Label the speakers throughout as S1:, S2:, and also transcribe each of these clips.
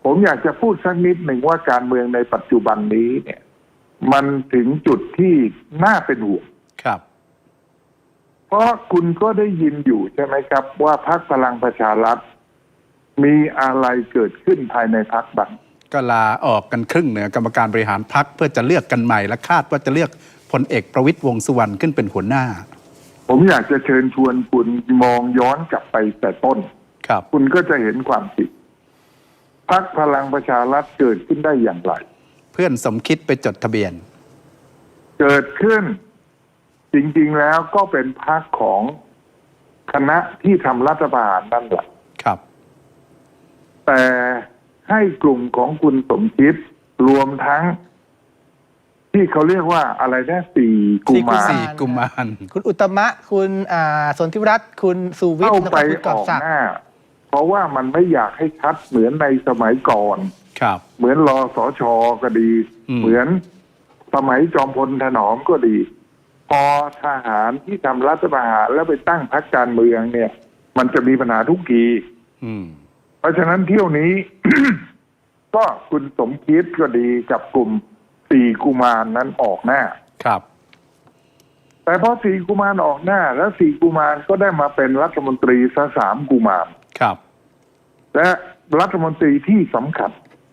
S1: ผมอยากจะพูดสักนิดหนึ่งว่าการเมืองในปัจจุบันนี้เนี่ยมันถึงจุดที่น่าเป็นห่วง
S2: ครับ
S1: เพราะคุณก็ได้ยินอยู่ใช่ไหมครับว่าพรรคพลังประชารัฐมีอะไรเกิดขึ้นภายในพรรคบ้าง
S2: ก็ลาออกกันครึ่งเหนือกรรมการบริหารพรรคเพื่อจะเลือกกันใหม่และคาดว่าจะเลือกพลเอกประวิตรวงษ์สุวรรณขึ้นเป็นหัวหน้า
S1: ผมอยากจะเชิญชวนคุณมองย้อนกลับไปแต่ต้น
S2: ครับ
S1: คุณก็จะเห็นความจริงพรรคพลังประชารัฐเกิดขึ้นได้อย่างไร
S2: เพื่อนสมคิดไปจดทะเบียน
S1: เกิดขึ้นจริงๆแล้วก็เป็นพรรคของคณะที่ทำรัฐประหารนั่นแหละ
S2: ครับ
S1: แต่ให้กลุ่มของคุณสมคิดรวมทั้งที่เขาเรียกว่าอะไรนะสี่กุมาร
S3: คุณอุตตมะคุณสนธิรัตน์คุณสุวิทย์
S1: เข้าไปออกหน้าเพราะว่ามันไม่อยากให้ชัดเหมือนในสมัยก่อน
S2: ครับ
S1: เหมือนรสช.ก็ดีเหมือนสมัยจอมพลถนอมก็ดีพอทหารที่ทำรัฐประหารแล้วไปตั้งพรรคการเมืองเนี่ยมันจะมีปัญหาทุกทีเพราะฉะนั้นเที่ยวนี้ ก็คุณสมคิดก็ดีกับกลุ่มสี่กุมารนั้นออกหน้า
S2: ครับ
S1: แต่พอสี่กุมารออกหน้าแล้วสี่กุมารก็ได้มาเป็นรัฐมนตรีซะสามกุมาร
S2: ครับ
S1: และรัฐมนตรีที่สำคัญ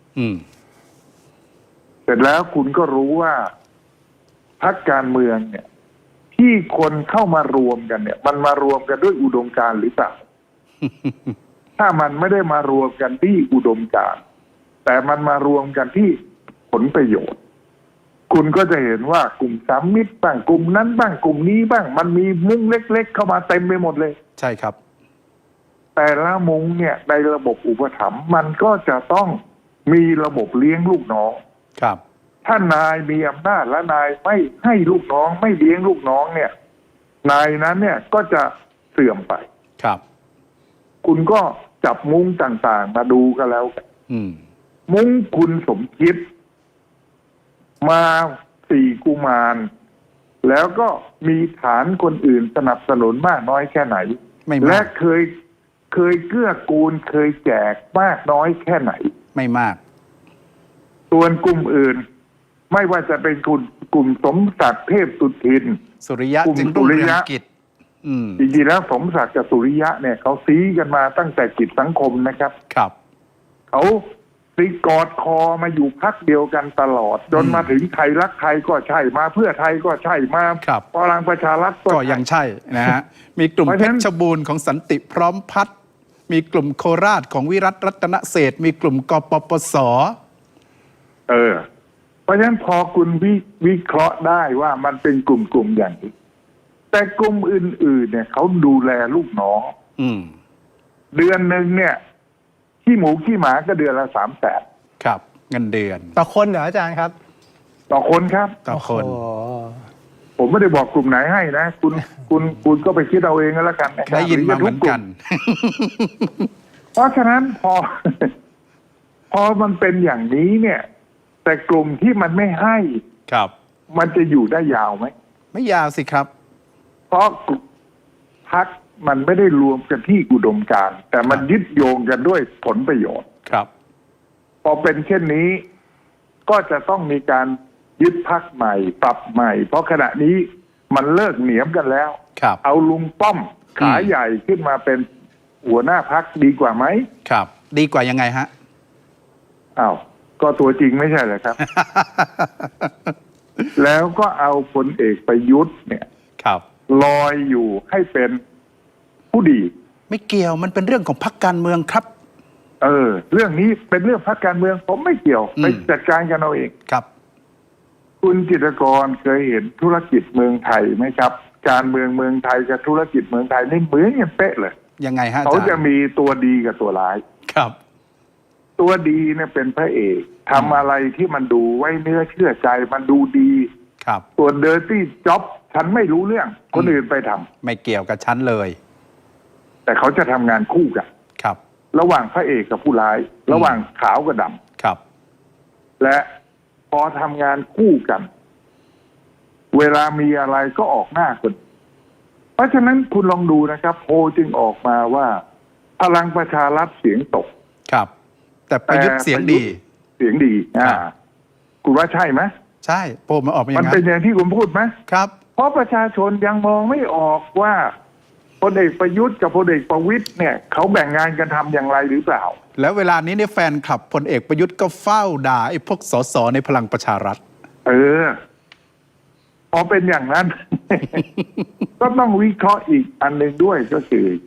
S1: เสร็จแล้วคุณก็รู้ว่าพรรคการเมืองเนี่ยที่คนเข้ามารวมกันเนี่ยมันมารวมกันด้วยอุดมการณ์หรือเปล่า ถ้ามันไม่ได้มารวมกันที่อุดมการณ์แต่มันมารวมกันที่ผลประโยชน์คุณก็จะเห็นว่ากลุ่มสามมิตรบ้างกลุ่มนั้นบ้างกลุ่มนี้บ้างมันมีมุ้งเล็กๆเข้ามาเต็มไปหมดเลย
S2: ใช่ครับ
S1: แต่ละมุ้งเนี่ยในระบบอุปถัมภ์มันก็จะต้องมีระบบเลี้ยงลูกน้อง
S2: ครับ
S1: ถ้านายมีอำนาจและนายไม่ให้ลูกน้องไม่เลี้ยงลูกน้องเนี่ยนายนั้นเนี่ยก็จะเสื่อมไป
S2: ครับ
S1: คุณก็จับมุ้งต่างๆมาดูกันแล้วมุ้งคุณสมคิดมาสี่กุมารแล้วก็มีฐานคนอื่นสนับสนุนมากน้อยแค่ไหนและเคยเกื้อกูลเคยแจกมากน้อยแค่ไหน
S2: ไม่มาก
S1: ส่วนกลุ่มอื่นไม่ว่าจะเป็นกลุ่มสมศักดิ์เทพสุทิน
S2: สุริยะจึงรุ่งเรืองกิจ
S1: จริงๆแล้วสมศักดิ์กับสุริยะเนี่ยเขาซี้กันมาตั้งแต่กิจสังคมนะครับ
S2: ครับ
S1: เขาตีกอดคอมาอยู่พรรคเดียวกันตลอดจนมาถึงไทยรักไทยก็ใช่มาเพื่อไทยก็ใช่มาพลังประชารัฐ
S2: ก็ยังใช่นะฮะมีกลุ่มเพชรบูรณ์ของสันติพร้อมพัฒน์มีกลุ่มโคราชของวิรัตรัตนเศรษฐ์มีกลุ่มกปปส.
S1: เพราะฉะนั้นพอคุณวิเคราะห์ได้ว่ามันเป็นกลุ่มอย่างนี้แต่กลุ่มอื่นๆเนี่ยเขาดูแลลูกน้องเดือนหนึ่งเนี่ยขี้หมูขี้หมาก็เดือนละ300,000
S2: ครับเงินเดือน
S3: ต่อคนเหรออาจารย์ครับ
S1: ต่อคนครับ
S2: ต่อคน
S1: ผมไม่ได้บอกกลุ่มไหนให้นะคุณก็ไปคิดเอาเองก็แล้วกัน
S2: ได้ยินมาเหมือนกัน
S1: เพราะฉะนั้นพอมันเป็นอย่างนี้เนี่ยแต่กลุ่มที่มันไม่ให้
S2: ครับ
S1: มันจะอยู่ได้ยาวไหม
S2: ไม่ยาวสิครับ
S1: เพราะพรรคมันไม่ได้รวมกันที่อุดมการณ์แต่มันยึดโยงกันด้วยผลประโยชน์
S2: ครับ
S1: พอเป็นเช่นนี้ก็จะต้องมีการยึดพรรคใหม่ปรับใหม่เพราะขณะนี้มันเลิกเหนียมกันแล้วเอาลุงป้อมขาใหญ่ขึ้นมาเป็นหัวหน้าพรรคดีกว่าไหม
S2: ครับดีกว่ายังไงฮะ
S1: อ้าวก็ตัวจริงไม่ใช่เหรอครับ แล้วก็เอาพลเอกประยุทธ์เนี่ยลอยอยู่ให้เป็นผู้ดี
S2: ไม่เกี่ยวมันเป็นเรื่องของพรรคการเมืองครับ
S1: เรื่องนี้เป็นเรื่องพรรคการเมืองผมไม่เกี่ยวไปจัดการกันเอาเอง
S2: ครับ
S1: คุณจิตรกรเคยเห็นธุรกิจเมืองไทยไหมครับการเมืองเมืองไทยกับธุรกิจเมืองไทยนี่เหมือนกันเป๊ะเลย
S2: ยังไงฮะ
S1: เขาจะมีตัวดีกับตัวร้าย
S2: ครับ
S1: ตัวดีเนี่ยเป็นพระเอกทำอะไรที่มันดูไว้เนื้อเชื่อใจมันดูดี
S2: ครับ
S1: ส่วน dirty job ฉันไม่รู้เรื่องคนอื่นไปทำ
S2: ไม่เกี่ยวกับฉันเลย
S1: แต่เขาจะทำงานคู่กัน
S2: ครับ
S1: ระหว่างพระเอกกับผู้ร้ายระหว่างขาวกับด
S2: ำครับ
S1: และพอทำงานคู่กันเวลามีอะไรก็ออกหน้าคนเพราะฉะนั้นคุณลองดูนะครับโพลจึงออกมาว่าพลังประชารัฐเสียงตก
S2: ครับแต่ประยุทธ์เสียงดี
S1: เสียงดีคุณว่าใช่ไหม
S2: ใช่โพลมาออกมาอย่าง
S1: มัน
S2: นั้น
S1: เป็นอย่างที่คุณพูดไหม
S2: ครับ
S1: เพราะประชาชนยังมองไม่ออกว่าพลเอกประยุทธ์กับพลเอกประวิตรเนี่ยเขาแบ่งงานกันทำอย่างไรหรือเปล่า
S2: แล้วเวลานี้เนี่ยแฟนคลับพลเอกประยุทธ์ก็เฝ้าด่าไอ้พวกสสในพลังประชารัฐ
S1: พอเป็นอย่างนั้น ก็ต้องวิเคราะห์อีกอันหนึ่งด้วยก็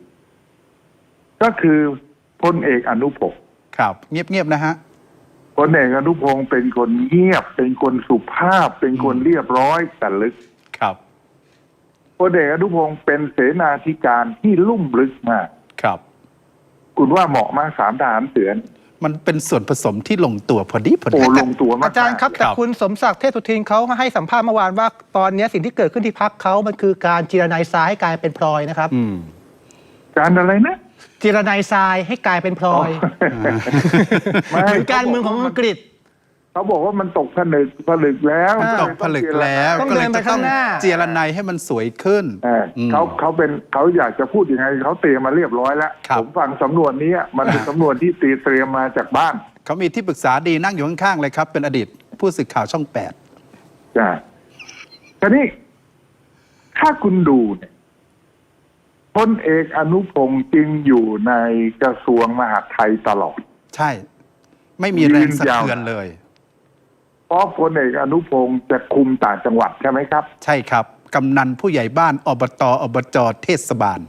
S1: คือพลเอกอนุพงศ์
S2: ครับเงียบๆนะฮะ
S1: พลเอกอนุพงศ์เป็นคนเงียบเป็นคนสุภาพเป็นคนเรียบร้อยแต่ลึก
S2: ครับ
S1: พลเอกอนุพงศ์เป็นเสนาธิการที่ลุ่มลึกมาก
S2: ครับ
S1: คุณว่าเหมาะมาก3 ทหารเสือ
S2: มันเป็นส่วนผสมที่ลงตัวพอดี
S1: ลงตัวมาก
S3: อาจารย์ครับแต่คุณสมศักดิ์เทพสุทินเขาให้สัมภาษณ์เมื่อวานว่าตอนนี้สิ่งที่เกิดขึ้นที่พรรคเขามันคือการจีรนายทรายให้กลายเป็นพลอยนะครับ
S1: การอะไรนะ
S3: จีรนายทรายให้กลายเป็นพลอยเหมือนการเมืองของอังกฤษ
S1: เขาบอกว่ามันตกผลึกแล้ว
S2: ตกผลึกแล้ว
S3: ก็เลยจะต้อง
S2: เจรนายให้มันสวยขึ้น
S1: เขาอยากจะพูดยังไงเขาเตรียมมาเรียบร้อยแล้วผมฟังสำนวนนี้มันเป็นสำนวนที่เตรียมมาจากบ้าน
S2: เขามีที่ปรึกษาดีนั่งอยู่ข้างๆเลยครับเป็นอดีตผู้สื่อข่าวช่อง8
S1: ทีนี้ถ้าคุณดูเนี่ยพลเอกอนุพงศ์จึงอยู่ในกระทรวงมหาดไทยตลอด
S2: ใช่ไม่มีแรงสะเทือนเลย
S1: เพราะพลเอกอนุพงศ์จะคุมต่างจังหวัดใช่ไหมครับ
S2: ใช่ครับกำนันผู้ใหญ่บ้านอบจเทศบาล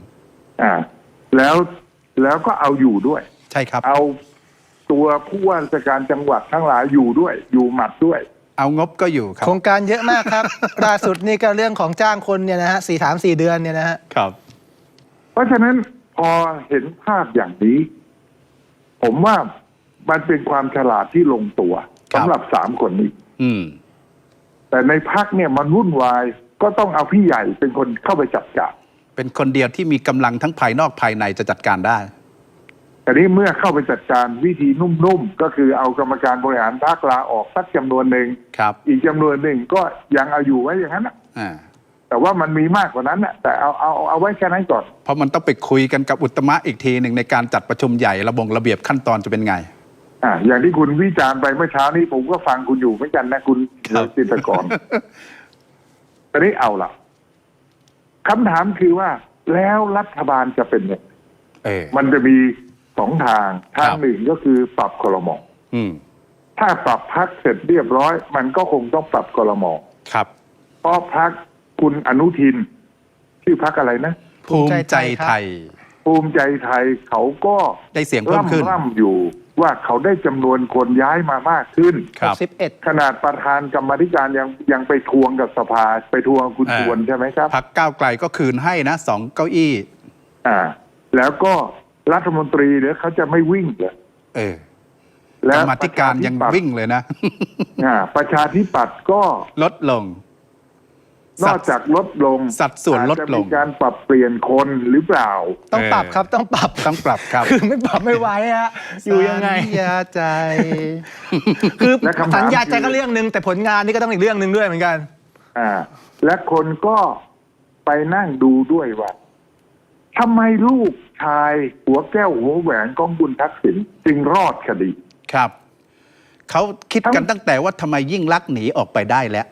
S1: แล้วก็เอาอยู่ด้วย
S2: ใช่ครับ
S1: เอาตัวผู้ว่าราชการจังหวัดทั้งหลายอยู่ด้วยอยู่หมัดด้วย
S2: เอางบก็อยู่ครับ
S3: โครงการเยอะมากครับ ล่าสุดนี่ก็เรื่องของจ้างคนเนี่ยนะฮะ4 เดือนเนี่ยนะฮะ
S2: ครับ
S1: เพราะฉะนั้นพอเห็นภาพอย่างนี้ผมว่ามันเป็นความฉลาดที่ลงตัวสำหรับ3 คนนี้แต่ในพรรคเนี่ยมันวุ่นวายก็ต้องเอาพี่ใหญ่เป็นคนเข้าไปจัดการ
S2: เป็นคนเดียวที่มีกำลังทั้งภายนอกภายในจะจัดการได้
S1: แต่นี้เมื่อเข้าไปจัดการวิธีนุ่มๆก็คือเอากรรมการบริหารพรรคลาออกสักจำนวนหนึ่งอีกจำนวนหนึ่งก็ยังเอาอยู่ไว้อย่างนั้นแต่ว่ามันมีมากกว่านั้นนะแต่เอาไว้แค่นั้นก่อน
S2: เพราะมันต้องไปคุยกันกับอุตมะอีกทีหนึ่งในการจัดประชุมใหญ่ระเบียบขั้นตอนจะเป็นไง
S1: อย่างที่คุณวิจารณ์ไปเมื่อเช้านี้ผมก็ฟังคุณอยู่เหมือนกันนะคุณจิตรกรตอนนี้เอาล่ะคำถามคือว่าแล้วรัฐบาลจะเป็นยังไงมันจะมี2 ทางหนึ่งก็คือปรับครม.ถ้าปรับพรรคเสร็จเรียบร้อยมันก็คงต้องปรับครม.
S2: ครับ
S1: เพราะพรรคคุณอนุทินชื่อพรรคอะไรนะ
S2: ภูมิใจไทย
S1: เขาก็
S2: ได้เสียงเพิ่มขึ้น
S1: ร่ำอยู่ว่าเขาได้จำนวนคนย้ายมามากขึ้น
S3: 11
S1: ขนาดประธานกรรมาธิการยังไปทวงกับสภาไปทวงคุณชวนใช่ไหมครับ
S2: พรรคก้าวไกลก็คืนให้นะ2 เก้าอี้
S1: แล้วก็รัฐมนตรีเนี่ยเขาจะไม่วิ่งเลย
S2: แล้วกรรมาธิการยังวิ่งเลยนะ
S1: ประชาธิปัตย์ก็
S2: ลดลง
S1: นอกจากลดลง
S2: สัดส่วนลดลง
S1: จะมีการปรับเปลี่ยนคนหรือเปล่า
S3: ต้องปรับครับต้องปรับ
S2: ครับ
S3: คือไม่ปรับไม่ไหวฮะอยู่ยังไง
S2: สัญญาใจ
S3: คือสัญญาใจก็เรื่องนึงแต่ผลงานนี่ก็ต้องอีกเรื่องนึงด้วยเหมือนกัน
S1: และคนก็ไปนั่งดูด้วยว่าทำไมลูกชายหัวแก้วหัวแหวนของบุญทักษิณจึงรอดคดี
S2: ครับเขาคิดกันตั้งแต่ว่าทำไมยิ่งลักษณ์หนีออกไปได้แล้ว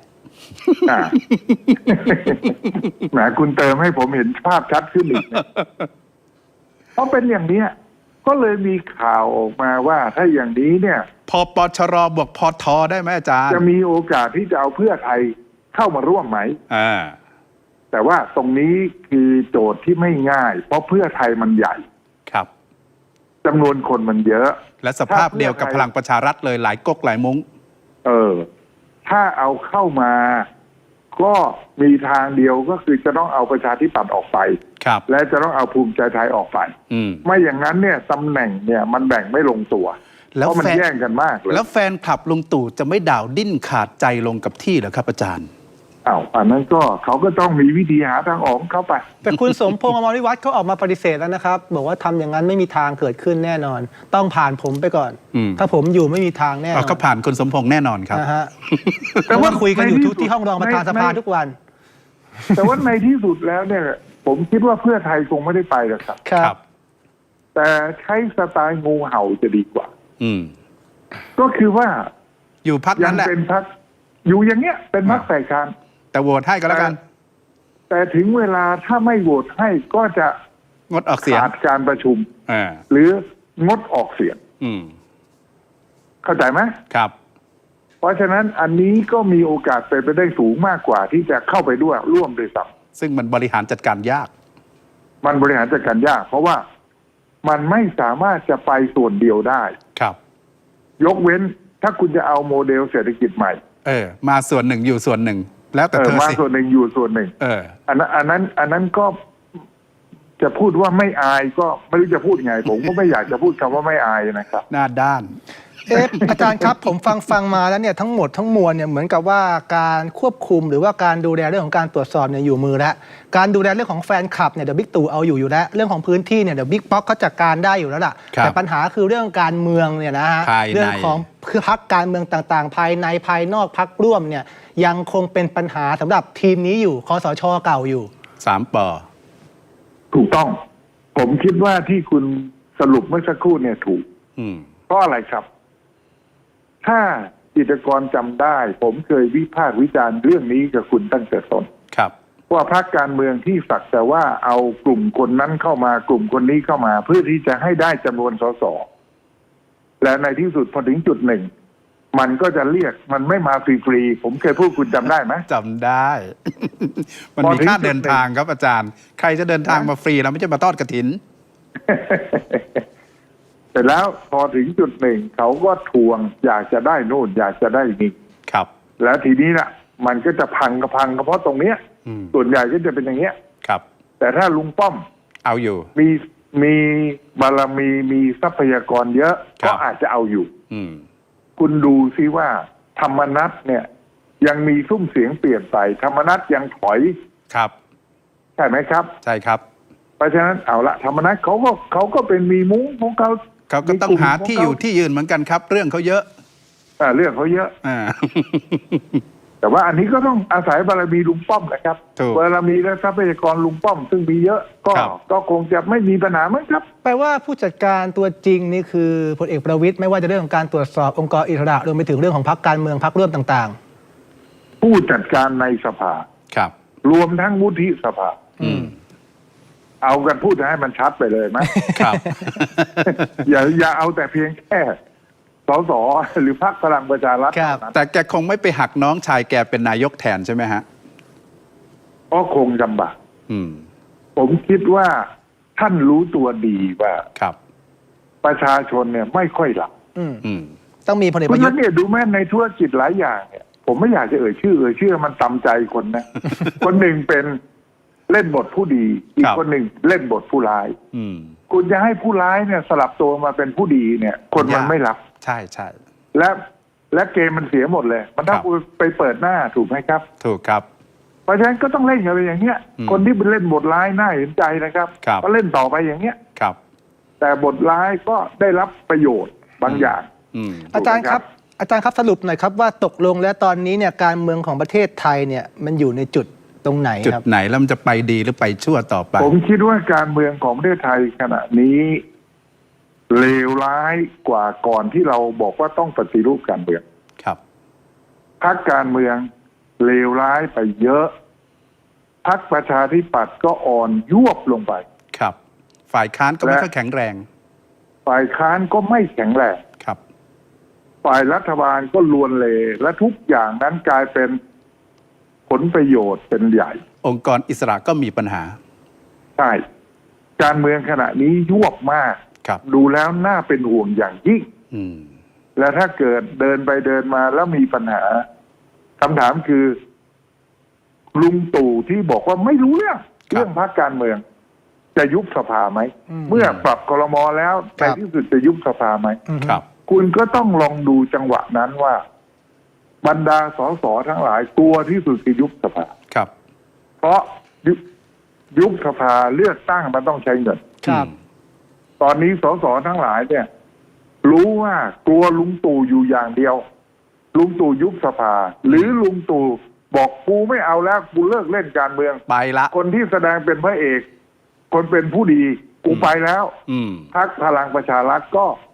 S1: แหมคุณเติมให้ผมเห็นภาพชัดขึ้นอีกเพราะเป็นอย่างนี้ก็เลยมีข่าวออกมาว่าถ้าอย่างนี้เนี่ย
S2: พปชรบวกพทได้ไหมอาจารย์
S1: จะมีโอกาสที่จะเอาเพื่อไทยเข้ามาร่วมไหมแต่ว่าตรงนี้คือโจทย์ที่ไม่ง่ายเพราะเพื่อไทยมันใหญ่
S2: ครับ
S1: จำนวนคนมันเยอะ
S2: และสภาพเดียวกับพลังประชารัฐเลยหลายก๊กหลายมุ้ง
S1: ถ้าเอาเข้ามาก็มีทางเดียวก็คือจะต้องเอาประชาธิปัตย์ออกไปและจะต้องเอาภูมิใจไทยออกไปไม่อย่างนั้นเนี่ยตำแหน่งเนี่ยมันแบ่งไม่ลงตัวเพราะมันแย่งกันมากเลย
S2: แล้วแฟนคลับลุงตู่จะไม่ด่าวดิ้นขาดใจลงกับที่เหรอครับอาจารย์
S1: อันนั้นก็เขาก็ต้องมีวิธีหาทางออกเข้าไป
S3: แต่คุณสมพงษ์อมรวิวัฒน์เขาออกมาปฏิเสธแล้วนะครับบอกว่าทำอย่างนั้นไม่มีทางเกิดขึ้นแน่นอนต้องผ่านผมไปก่อนถ้าผมอยู่ไม่มีทางแน่นอน
S2: ก็ผ่านคุณสมพงษ์แน่นอนครับ
S3: แต่ว่าคุยกันอยู่ที่ห้องรองประธานสภาทุกวัน
S1: แต่ว่าในที่สุดแล้วเนี่ยผมคิดว่าเพื่อไทยคงไม่ได้ไปหรอกครับ
S3: ครับ
S1: แต่ใช้สไตล์งูเห่าจะดีกว่า
S2: อืม
S1: ก็คือว่า
S2: อยู่พัก
S1: ยั
S2: นั้นแหละ
S1: เป็นพรรคอยู่อย่างเงี้ยเป็นพรรคฝ่ายค้าน
S2: แต่โหวตให้ก็แล้วกัน
S1: แต่ถึงเวลาถ้าไม่โหวตให้ก็จะ
S2: งดออกเสียง
S1: ขาดการประชุม
S2: อ่า
S1: หรืองดออกเสียง
S2: อืม
S1: เข้าใจไหม
S2: ครับ
S1: เพราะฉะนั้นอันนี้ก็มีโอกาสเป็นไปได้สูงมากกว่าที่จะเข้าไปด้วยร่วมด้วยซ้
S2: ซึ่งมันบริหารจัดการยาก
S1: ำมันบริหารจัดการยาก เพราะว่ามันไม่สามารถจะไปส่วนเดียวได้
S2: ครับ
S1: ยกเว้นถ้าคุณจะเอาโมเดลเศรษฐกิจใหม่
S2: มาส่วนหนึ่งอยู่ส่วนหนึ่ง แล้วแต่เธอ
S1: มา
S2: สิ
S1: ส่วนหนึ่งอยู่ส่วนหนึ่ง อันนั้นก็จะพูดว่าไม่อายก็ไม่รู้จะพูดไง ผมก็ไม่อยากจะพูดคำว่าไม่อายนะครับ
S2: หน้าด้าน
S3: อาจารย์ครับ ผมฟังมาแล้วเนี่ยทั้งหมดทั้งมวลเนี่ยเหมือนกับว่าการควบคุมหรือว่าการดูแลเรื่องของการตรวจสอบเนี่ยอยู่มือแล้วการดูแลเรื่องของแฟนคลับเนี่ยเดี๋ยวบิ๊กตู่เอาอยู่แล้วเรื่องของพื้นที่เนี่ยเดี๋ยวบิ๊กป๊อกเขาจัดการได้อยู่แล้วล่ะ
S2: ครับ
S3: แต่ปัญหาคือเรื่องการเมืองเนี่ยนะฮะ
S2: ภายใน
S3: เรื่องของพรรคการเมืองต่างๆ ภายในภายนอกพรรคร่วมเนี่ยยังคงเป็นปัญหาสำหรับทีมนี้อยู่คสช.เก่าอยู่
S2: 3 ปอ
S1: ถูกต้อง ผมคิดว่าที่คุณสรุปเมื่อสักครู่เนี่ยถูก
S2: อืม
S1: เพราะอะไรครับ ถ้ากิจกรจำได้ ผมเคยวิพากษ์วิจารณ์เรื่องนี้กับคุณตั้งแต่ต้น
S2: ครับ
S1: ว่าพรรคการเมืองที่สักแต่ว่าเอากลุ่มคนนั้นเข้ามากลุ่มคนนี้เข้ามา เพื่อที่จะให้ได้จำนวนสสและในที่สุดพอถึงจุดหนึ่ง มันก็จะเรียกมันไม่มาฟรีๆผมเคยพูดคุณจำได้ไหม
S2: จำได้ มันมีค่าเดินทางครับอาจารย์ ใครจะเดินทางมาฟรีเราไม่ใช่มาทอดกฐิน
S1: แต่แล้วพอถึงจุดหนึ่ง เขาก็ทวงอยากจะได้นู่น อยากจะได้นี่
S2: ครับ
S1: แล้วทีนี้น่ะ มันก็จะพังก็เพราะตรงเนี้ย
S2: อืม
S1: ส่วนใหญ่ก็จะเป็นอย่างเงี้ย
S2: ครับ
S1: แต่ถ้าลุงป้อม
S2: เอาอยู่
S1: มีบารมีมีทรัพยากรเยอะ
S2: ครับ
S1: ก็อาจจะเอาอยู่
S2: อืม
S1: คุณดูซิว่าธรรมนัตเนี่ยยังมีซุ้มเสียงเปลี่ยนไปธรรมนัตยังถอย
S2: ครับ
S1: ใช่ไหมครับ
S2: ใช่ครับ
S1: เพราะฉะนั้นเอาละธรรมนัตเขาก็เป็นมีมุ้งของเขา
S2: เขาก็ต้องหาที่อยู่ที่ยืนเหมือนกันครับ เรื่องเขาเยอะ
S1: เรื่องเขาเยอะ
S2: อ่า
S1: แต่ว่าอันนี้ก็ต้องอาศัยบารมีลุงป้อมนะครับ
S2: ถูก
S1: บารมีและทรัพยากรลุงป้อมซึ่งมีเยอะ
S2: ครับ
S1: ก็คงจะไม่มีปัญหามั้งครับ
S3: แปลว่าผู้จัดการตัวจริงนี่คือพลเอกประวิตยไม่ว่าจะเรื่องของการตรวจสอบองค์กรอิสระรวมไปถึงเรื่องของพรรคการเมืองพรรคร่วมต่าง
S1: ผู้จัดการในสภา
S2: ครับ
S1: รวมทั้งวุฒิสภา
S2: อืม
S1: เอากันพูดให้มันชัดไปเลยไหม
S2: ครับ
S1: อย่าเอาแต่เพียงแค่สสหรือพรรคพลังประชารัฐ
S3: ครับ
S1: เท่านั้น
S2: แต่แกคงไม่ไปหักน้องชายแกเป็นนายกแทนใช่ไหมฮะ
S1: ก็คงลำบาก
S2: อืม
S1: ผมคิดว่าท่านรู้ตัวดีว่า
S2: ครับ
S1: ประชาชนเนี่ยไม่ค่อยหลับ
S3: ๆ อืม
S2: อืม
S3: ต้องมีพลเอก
S1: เพ
S3: ป
S1: ราะ
S3: ระ
S1: ฉะ
S3: ยุท
S1: นั้น
S3: ธ์
S1: เนี่ยดูแม้ในธุรกิจหลายอย่างเนี่ยผมไม่อยากจะเอ่ยชื่อมันตำใจคนนะ คนหนึ่งเป็นเล่นบทผู้ดี อีก
S2: ครับ
S1: คนหนึ่งเล่นบทผู้ร้าย
S2: อืม
S1: คุณจะให้ผู้ร้ายเนี่ยสลับตัวมาเป็นผู้ดีเนี่ย คนมัน
S2: ยาก
S1: ไม่รับ
S2: ใช่ใช่
S1: และเกมมันเสียหมดเลย มันถ้า
S2: ครับ
S1: คุณไปเปิดหน้าถูกไหมครับ
S2: ถูกครับ
S1: เพราะฉะนั้นก็ต้องเล่นกันไปอย่างเงี้ย
S2: อืม
S1: คนที่เป็นเล่นบทร้ายน่าเห็นใจนะครับ
S2: ครับ
S1: ก็เล่นต่อไปอย่างเงี้ย
S2: ครับ
S1: แต่บทร้ายก็ได้รับประโยชน์บางอย่าง
S2: อืม
S3: อาจารย์ครับสรุปหน่อยครับว่าตกลงแล้วตอนนี้เนี่ยการเมืองของประเทศไทยเนี่ยมันอยู่ในจุดตรงไหน
S2: จุด
S3: ครับ
S2: ไหนแล้วมันจะไปดีหรือไปชั่วต่อไป
S1: ผมคิดว่าการเมืองของประเทศไทยขณะนี้เลวร้ายกว่าก่อนที่เราบอกว่าต้องปฏิรูปการเมือง
S2: ครับ
S1: พรรคการเมืองเลวร้ายไปเยอะพรรคประชาธิปัตย์ก็อ่อนยวบลงไป
S2: ครับ ฝ่ายค้านก็ไม่ค่อยแข็งแรง
S1: ฝ่ายค้านก็ไม่แข็งแรง
S2: ครับ
S1: ฝ่ายรัฐบาลก็ลวนเลและทุกอย่างนั้นกลายเป็นผลประโยชน์เป็นใหญ่
S2: องค์กรอิสระก็มีปัญหา
S1: ใช่การเมืองขณะนี้ยวบมาก
S2: ครับ
S1: ดูแล้วน่าเป็นห่วงอย่างยิ่ง
S2: อืม
S1: และถ้าเกิดเดินไปเดินมาแล้วมีปัญหาคำถามคือ ลุงตู่ที่บอกว่าไม่รู้เรื่องพรรคการเมือง จะยุบสภาไหม เมื่อปรับครม.แล้วในที่สุดจะยุบสภาไหม
S2: ครับ
S1: คุณก็ต้องลองดูจังหวะนั้นว่า บรรดาสสทั้งหลายกลัวที่สุดคือยุบสภา
S2: ครับ
S1: เพราะยุบสภาเลือกตั้งมันต้องใช้เงิน
S3: ครับ
S1: ตอนนี้สสทั้งหลายเนี่ย รู้ว่ากลัวลุงตู่อยู่อย่างเดียว ลุงตู่ยุบสภา หรือลุงตู่บอกกูไม่เอาแล้วกูเลิกเล่นการเมือง
S2: ไปละ
S1: คนที่แสดงเป็นพระเอก คนเป็นผู้ดีกูไปแล้ว
S2: อืม
S1: พรรคพลังประชารัฐก็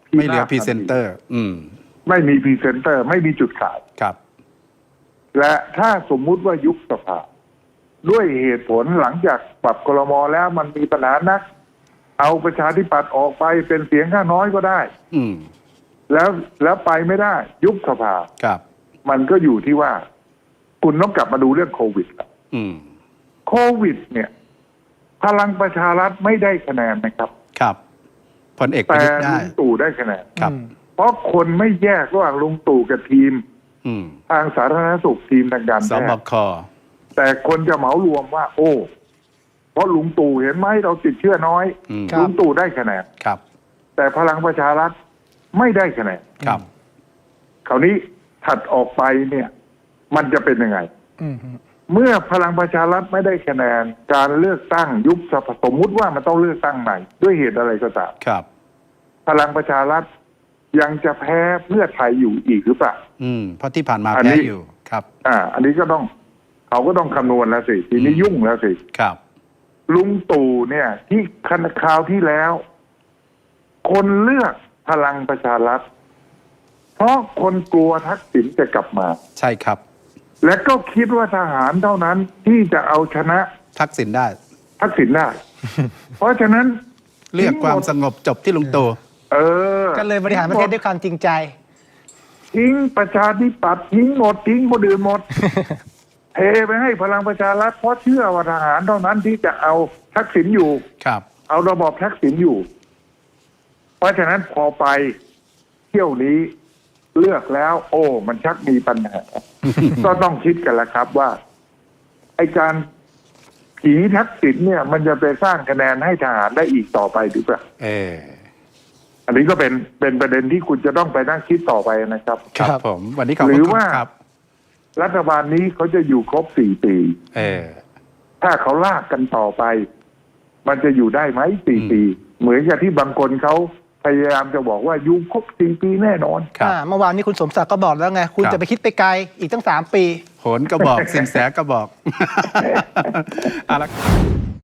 S2: ไม่เหลือพรีเซนเตอร์
S1: ไม่มีพรีเซนเตอร์ ไม่มีจุดขาย
S2: ครับ
S1: และถ้าสมมุติว่ายุบสภาด้วยเหตุผลหลังจากปรับครม.แล้วมันมีปัญหานัก เอาประชาธิปัตย์ออกไปเป็นเสียงข้างน้อยก็ได้
S2: อืม
S1: แล้วไปไม่ได้ ยุบสภา
S2: ครับ
S1: มันก็อยู่ที่ว่า คุณต้องกลับมาดูเรื่องโควิดละ
S2: อืม
S1: โควิด เนี่ย พลังประชารัฐไม่ได้คะแนนนะครับ
S2: ครับพลเอกประ
S1: แต่
S2: ยุทธ์ได้
S1: ลุงตู่ได้คะแนน
S2: ครับ
S1: เพราะคนไม่แยกระหว่างลุงตู่กับทีม
S2: อืม
S1: ทางสาธารณสุขทีมทางการ
S2: ส
S1: แพ
S2: บ
S1: ทย์
S2: ค
S1: แต่คนจะเหมารวมว่า โอ้เพราะลุงตู่เห็นไหมเราติดเชื้อน้อย
S2: อืม
S1: ลุงตู่ได้คะแนน
S2: ครับ
S1: แต่พลังประชารัฐไม่ได้คะแนน
S2: ครับ
S1: คราวนี้ถัดออกไปเนี่ย มันจะเป็นยังไง เมื่อพลังประชารัฐไม่ได้คะแนน การเลือกตั้งยุบสภาสมมุติว่ามันต้องเลือกตั้งใหม่ด้วยเหตุอะไรก็ตาม
S2: ครับ
S1: พลังประชารัฐยังจะแพ้เพื่อไทยอยู่อีกหรือเปล่า
S2: เพราะที่ผ่านมา
S1: อันนี้
S2: แพ้อยู่ ครับ
S1: อันนี้ก็ต้องเขาก็ต้องคำนวณแล้วสิทีนี้ยุ่งแล้วสิ
S2: ครับ
S1: ลุงตู่เนี่ย ที่คราวที่แล้ว คนเลือกพลังประชารัฐเพราะคนกลัวทักษิณจะกลับมา
S2: ใช่ครับ
S1: และก็คิดว่าทหารเท่านั้นที่จะเอาชนะ
S2: ทักษิณได้
S1: ทักษิณได้ เพราะฉะนั้น
S2: เรียกความสงบจบที่ลุงตู่
S3: ก็เลยบริหารประเทศด้วยความจริงใจ
S1: ทิ้งประชาธิปัตย์ทิ้งหมดทิ้งคนอื่นหมด เทไปให้พลังประชารัฐเพราะเชื่อว่าทหารเท่านั้นที่จะเอาทักษิณอยู่
S2: ครับ
S1: เอาระบอบทักษิณอยู่ เพราะฉะนั้นพอไปเที่ยวนี้เลือกแล้ว โอ้ มันชักมีปัญหา ก็ต้องคิดกันละครับว่าไอการผีทักษิณเนี่ย มันจะไปสร้างคะแนนให้ทหารได้อีกต่อไปหรือเปล่า อันนี้ก็เป็นประเด็นที่คุณจะต้องไปนั่งคิดต่อไปนะครับ
S2: ครับผม วันนี้ขอบ
S1: ห
S2: คุ
S1: รือ
S2: ณ
S1: ว่า
S2: ครับ
S1: รัฐบาลนี้เขาจะอยู่ครบ4 ปี ถ้าเขาลากกันต่อไป มันจะอยู่ได้ไหม4 ปี เหมือนกับที่บางคนเขาพยายามจะบอกว่าอยู่ครบ4 ปีแน่นอน
S2: ครับ
S3: เมื่อวานนี้คุณสมศักดิ์ก็บอกแล้วไง คุณ
S2: ครับ
S3: จะไปคิดไปไกลอีกตั้ง3 ปี
S2: โหนก็บอก สินแสก็บอก เอาละ